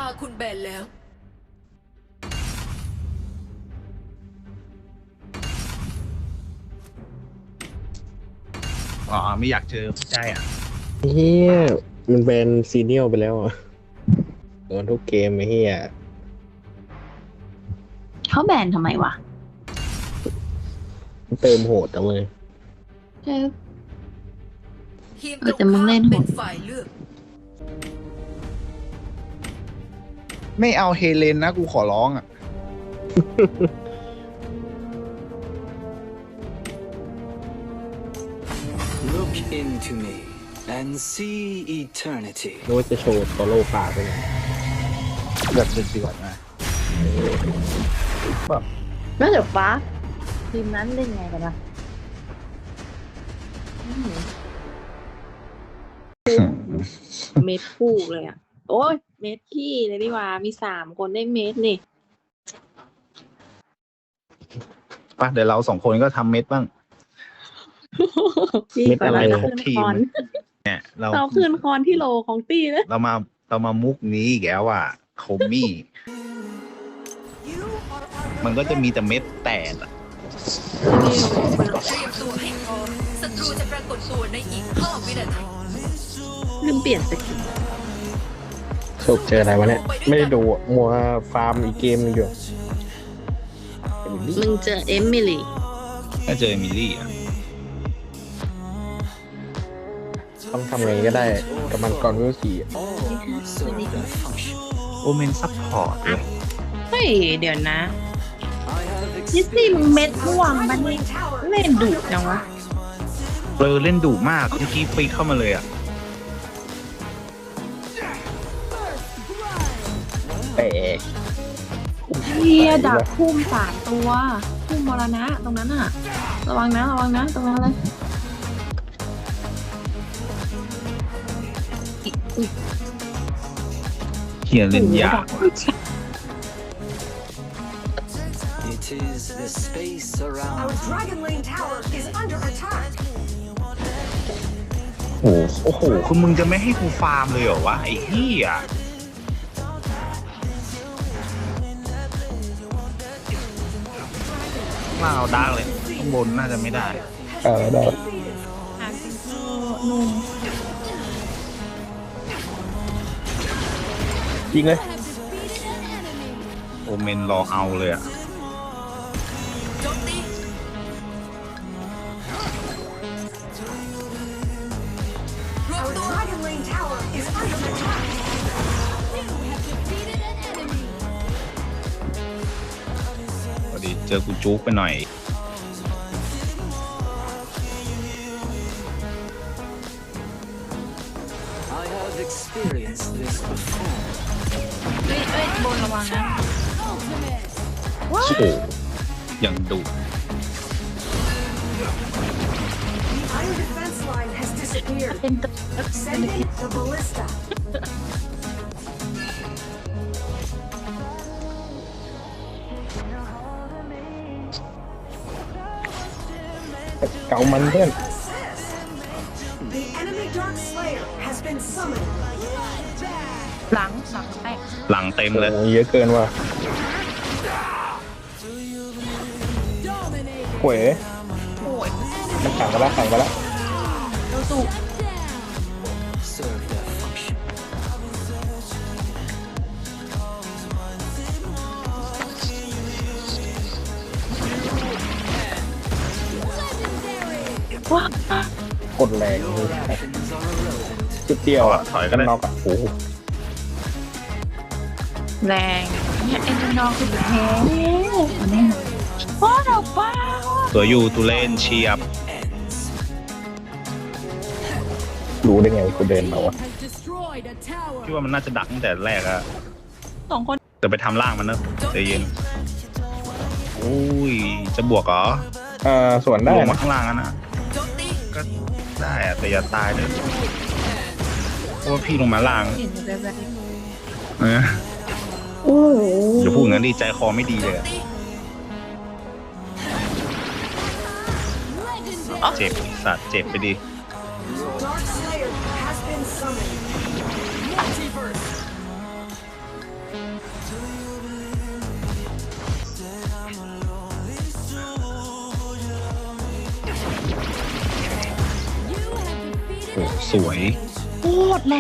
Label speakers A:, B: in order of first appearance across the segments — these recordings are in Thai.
A: าคุณแบนแล้ว
B: อ๋อไม่อยากเจอใจอ่ะ
C: เฮียมันเป็นซีเนียลไปแล้วอ่ะโดนทุกเกมไอ้เฮีย
D: เขาแบนทำไมวะ
C: เติมโหดจังเลย
D: ใช่
A: ทีม
D: เอ
A: ต
D: อ
A: รง
D: แต่มึง
A: ข้าม
D: เล่นโหด
A: เป็นฝ่ายเลือก
B: ไม่เอาเฮเลนนะกูขอร้องอ่ะ
E: Look into me and see eternity.
C: นึกว่าจะโชว์โซโล่ป่าไปไง
B: แบบเดือดๆนะแบบ
D: แล้วเดี๋ยวฟ้าทีมนั้นเล่นไงกันวะเม็ดคู่เลยอ่ะ โอ้ยเม็ดขี้เลยดีกว่ามี3 คนได้เม็ดนี่
B: ป่ะเดี๋ยวเรา2 คนก็ทำเม็ดบ้าง
D: พี่
C: เม็ด
D: ก่อน
C: อะไร
D: เรา
B: คร
D: ขึ้
B: บ
D: น
B: ที
D: ค
B: ม
D: อน
B: เนี่ยเรา
D: เราขึ้นคอนที่โลของตีเลย
B: เรามามุกนี้อีกแล้วอ่ะโคมี่ มันก็จะมีแต่เม็ดแตกอะ
A: เตรียมตัวให้พร้อมศัตรูจะปรากฏตัวในอีก5 วินาที
D: ลืมเปลี่ยนสกิน
C: สรุปเจออะไรวะเนี่ย ไม่ได้ดูอะมัวฟาร์มอีกเกมนึงอยู่
D: มึงเจอเอมิลี่
B: ถ้าเจอเอมิลี่อ่ะ
C: ต้องทำไงก็ได้กับมันก่อนเวลสี่อะ
E: All serve their function.
B: โอเมนซัพพอร์ตเลย
D: เฮ้ยเดี๋ยวนะ
E: I have
D: นิสซี่มึง
E: experienced
D: เม็ดม่วงมันนี่เล่นดุจังวะ
B: เล่นดุมากเมื่อกี้ปีเข้ามาเลยอ่ะ
C: แตก
D: เฮียดับพุ่ม3 ตัวพุ่มมรณะตรงนั้นอะระวังนะตรงนั้นเลย
B: เขียนเล่นยาก
E: It is the space around
F: Our Dragon Lane Tower is under attack.
B: โอ้โหคือมึงจะไม่ให้กูฟาร์มเลยเหรอวะไอ้เหี้ยล่างเอาดาร์กเลยข้างบนน่าจะไม่ได้
C: ได้
D: หาซิงเกิลนุ่ม
C: ยิงเลย
B: โอเมนรอเอาเลยอ่ะ
A: โจมตีรวม
F: Our
A: ตัว
F: Dragon Lane Tower is under attack.
B: พอดีเจอกูจุกไปหน่อย
E: I have experienced this before.
D: เฮ้ยบนระวังนะ
C: โอ้โห
B: อย่างดุ
F: The Iron Defense Line has disappeared.
D: เป็นตัว
F: Send in the ballista.
C: เก่ามันเพื่อน
F: The enemy Dark Slayer has been summoned.
D: หลังแตก
B: หลังเต็มเลย
C: โอ้เยอะเกินว่ะหวย
D: โอ้ย
C: มันขังไปแล้ว
D: เราสุ
E: Serve their function.
D: ว้าก
C: ดแรงเลย
E: Actions are irrelevant.
C: จุดเดียวอ่ะ
B: ถอยก็ได้
C: น็อกอ่ะโอ้โห
D: แรงเนี่ยเอ็นจนองคือแพ้แน่ว้าเราบ้า
B: ตัวอยู่ตูเล่นเชียบ
E: Ends.
C: รู้ได้ไงกูเดินมาวะ
B: พี่ว่ามันน่าจะดักตั้งแต่แรกอะ
D: 2 คน
B: แต่ไปทำล่างมันนะใจเย็นอุ้ยจะบวกเหรอ
C: ส่วนได้
B: ลงมา
C: นะ
B: ข้างล่างนั่นนะ
A: โจมตี
B: ก็ได้อะแต่อย่าตายเลยเพราะว่าพี่ลงมาล่าง
D: เห็นแบบ
B: เออ
D: โอ้โห
B: อย่าพูดงั้นดิใจคอไม่ดี
A: โจ
B: เลย
A: ม
B: อะ
A: ตี
B: เจ็บไอ้สัตว์เจ็บไปดิ
F: Dark Slayer has been summoned.
B: สวย
D: โคตรแรง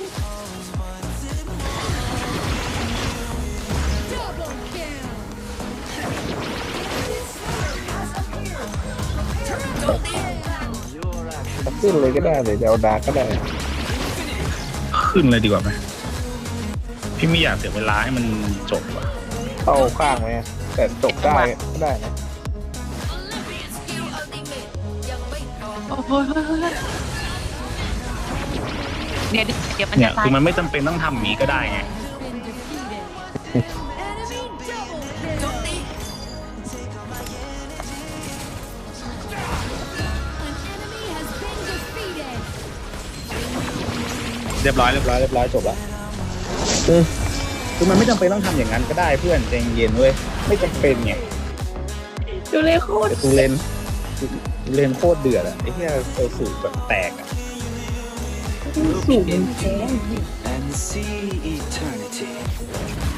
C: ขึ้นเลยก็ได้เลยจะเอาดาร์กก็ได้
B: ขึ้นเลยดีกว่าไหมพี่ไม่อยากเสียเวลาให้มันจบว่ะ
C: เข้าข้างไหมแต่จบได้ก็ได้นะ
A: สกิลอัลติเมทยังไม่พร้อม
D: โอ้โหเดี๋ยวมัน
B: เนี่
D: จะ
B: ย
D: ตาย
B: คือมันไม่จำเป็นต้องทำอย่างนี้ก็ได้ไง
A: โจมตี
B: เรียบร้อยจบละคือมันไม่จำเป็นต้องทำอย่างนั้นก็ได้เพื่อนใจเย็นเว้ยไม่จำเป็นไง
D: ดูเลยโคตร
B: แต่ตูเลนโคตรเดือดอะไอ้เหี้ยเอลสูแบบแตกอะ
D: สูงแท้
E: and see eternity.